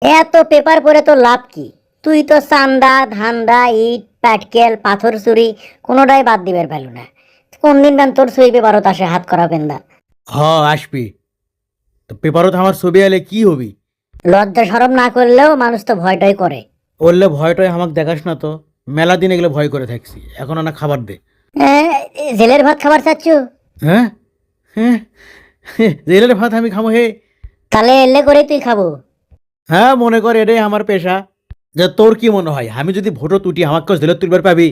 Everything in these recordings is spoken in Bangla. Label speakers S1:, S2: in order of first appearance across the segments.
S1: এত পেপার পড়ে তো লাভ কি? তুই তো চান্দা ধান্দা ইট পাটকেল পাথর চুরি কোনোটাই বাদ দিবার পেল না। কোন দিন বেন তোর ছবি পেপারত আসে হাত করা পেন্দা?
S2: হ আসবি তো পেপারত আমার ছবি এলে কি হবি?
S1: লজ্জা সরম না করলেও মানুষ তো ভয়টাই করে।
S2: বললে ভয়টয় আমাকে দেখাস না তো, মেলা দিন এগুলো ভয় করে থাকছি, এখন না খাবার দে।
S1: জেলের ভাত খাবার চাচ্ছু?
S2: হ্যাঁ হ্যাঁ, জেলের ভাত আমি খাবো হে?
S1: তাহলে এলে করে তুই খাবো।
S2: হ্যাঁ মনে কর এটাই আমার পেশা। যে তোর কি মনে হয় আমি যদি ভোটও তুটি আমাকে জেলে তুলবার পাবি?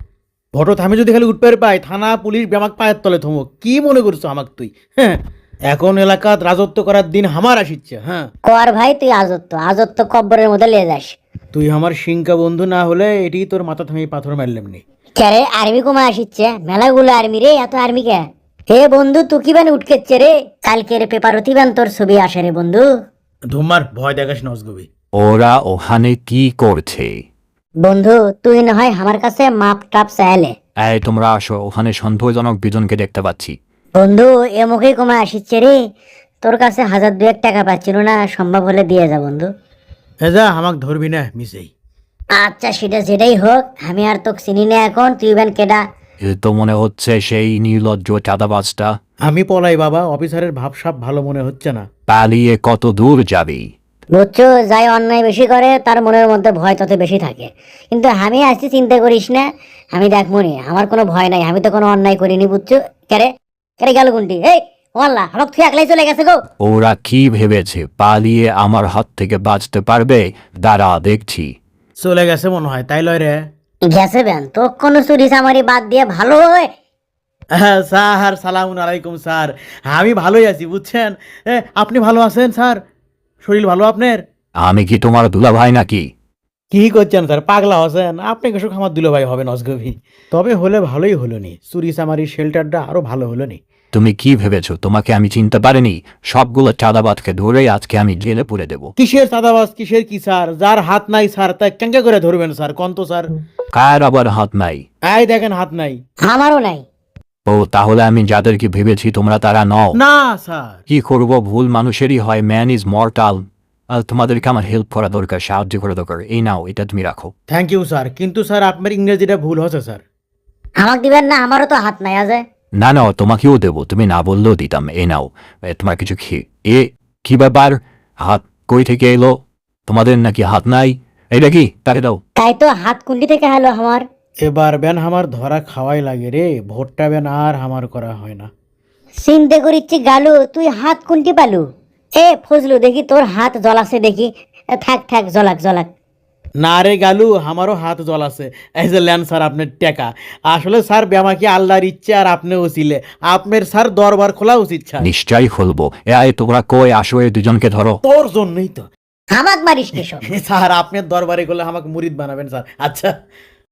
S2: ভোটত আমি যদি খালি উঠবার পাই, থানা পুলিশ আমাকে পায়ের তলে থমো, কি মনে করছো আমাকে তুই? হ্যাঁ, এখন এলাকাত রাজত্ব করার দিন আমার আসিচ্ছে। হ্যাঁ,
S1: কর ভাই, তুই আজত্ব আজত্ব কব্বরের মধ্যে লিয়ে যাস।
S2: তুই আমার সিংকা বন্ধু না হলে এটি তোর মাথা থামি পাথর মারলাম নি।
S1: ক্যারে আর্মি কমা আসিচ্ছে, মেলাগুলো আর্মি রে, এত আর্মি কে? হে বন্ধু তুই কি বান উঠকেচ্ছে রে? কালকের পেপার অতিবান তোর ছবি আসে রে বন্ধু।
S2: ধুমার ভয় দেখাস নজগবি।
S3: ওরা ওখানে কি করছে?
S1: বন্ধু তুই না হয় আমার কাছে মাপ টাপ চাইলে।
S3: এই তোমরা আসো, ওখানে সন্দেহজনক দুজনকে দেখতে পাচ্ছি।
S1: বন্ধু এ মুখে কমা আসিচ্ছে রে। তোর কাছে 1000-2000 টাকা পাচ্ছিল না, সম্ভব হলে দিয়ে যা বন্ধু।
S2: হ্যাঁ যা, আমাকে ধরবি না মিসেই।
S1: আচ্ছা সেটা যেটাই হোক, আমি আর তোকে চিনি না এখন, তুই বেন কেডা?
S3: এ তো মনে হচ্ছে সেই নির্লজ্জ চাঁদাবাজটা।
S2: আমি পলাই বাবা, অফিসারের ভাবসাব ভালো মনে হচ্ছে না।
S3: পালিয়ে কত দূর যাবি?
S1: বুঝছো, যাই অন্যায় বেশি করে তার মনের মধ্যে ভয় তত বেশি থাকে। কিন্তু আমি আসছি, চিন্তা করিস না, আমি দেখবো নি, আমার কোনো ভয় নাই, আমি তো কোনো অন্যায় করিনি বুঝছো। কেরে কেরে গেল কোনটি? এই ওয়াল্লাহ আমাকে তুই একলাই চলে গেছে গো।
S3: ওরা কি ভেবেছে পালিয়ে আমার হাত থেকে বাঁচতে পারবে? দাঁড়া দেখছি।
S2: চলে গেছে মনে হয়, তাই লয় রে?
S1: গেছে বেন তো কোনো চুরি চামারি বাদ দিয়ে ভালো হয়।
S2: হ্যাঁ স্যার, সালামুন আলাইকুম স্যার। আমি ভালোই আছি বুঝছেন। আপনি ভালো আছেন স্যার? শরীর ভালো আপনার?
S3: আমি কি তোমার দুলাভাই নাকি?
S2: কি করছেন স্যার, পাগলা হচ্ছেন আপনি? কিছু আমার দুলো ভাই হবে নজগভি? তবে হলে ভালোই হলো নি, চুরি চামারি শেল্টারটা আরো ভালো হলো নি।
S3: তুমি কি ভেবেছো তোমাকে আমি চিনতে পারিনি? সবগুলো চাঁদাবাজকে ধরে আজকে আমি জেলে পুরে দেব।
S2: কিসের চাঁদাবাজ কিসের কি স্যার? যার হাত নাই স্যার তা কেঙ্কা করে ধরবেন স্যার, কন্ত স্যার?
S3: কার আবার হাত নাই?
S2: এই দেখেন হাত নাই।
S1: আমারও নাই।
S3: ও তাহলে আমি যাদেরকে ভেবেছি তোমরা তারা নও।
S2: না স্যার।
S3: কি করব, ভুল মানুষেরই হয়, ম্যান ইজ মর্টাল। আর তোমাদেরকে আমার হেল্প করা দরকার, সাহায্য করা দরকার। এই নাও, এটা তুমি রাখো।
S2: থ্যাংক ইউ স্যার, কিন্তু স্যার আপনার ইংরেজিটা ভুল হচ্ছে স্যার।
S1: আমাকে দিবেন না? আমারও তো হাত নাই আজে।
S3: না না, তোমাকেও দেবো, তুমি না বললেও দিতাম। এই নাও, তোমার কিছু কি ব্যাপার? হাত কই থেকে এলো? তোমাদের নাকি হাত নাই? এইটা কি, তাকে দাও।
S1: তাই তো, হাত কুন্ডি থেকে হলো আমার।
S2: এবার বেন আমার ধরা খাওয়াই লাগে রে, ভোটটা বেন আর আমার করা হয় না।
S1: চিন্তা করিচ্ছি গালু, তুই হাত কুন্টি পালু? এ ফজলু দেখি তোর হাত জ্বলাছে দেখি। থাক থাক, জ্বলাক জ্বলাক।
S2: না রে গালু, আমারও হাত জল আছে। এই যে লেন স্যার আপনার টেকা। আসলে স্যার ব্যামাকে আল্লাহর ইচ্ছে আর আপনি ওসিলে আপনার স্যার দরবার খোলা উচিত স্যার।
S3: নিশ্চয়ই খুলবো। তোমরা কই আসো, এই দুজনকে ধরো।
S2: তোর জন্যই তো।
S1: আমাক মারিস কিসব?
S2: স্যার আপনার দরবারে গেলে আমাকে মুরিদ বানাবেন স্যার। আচ্ছা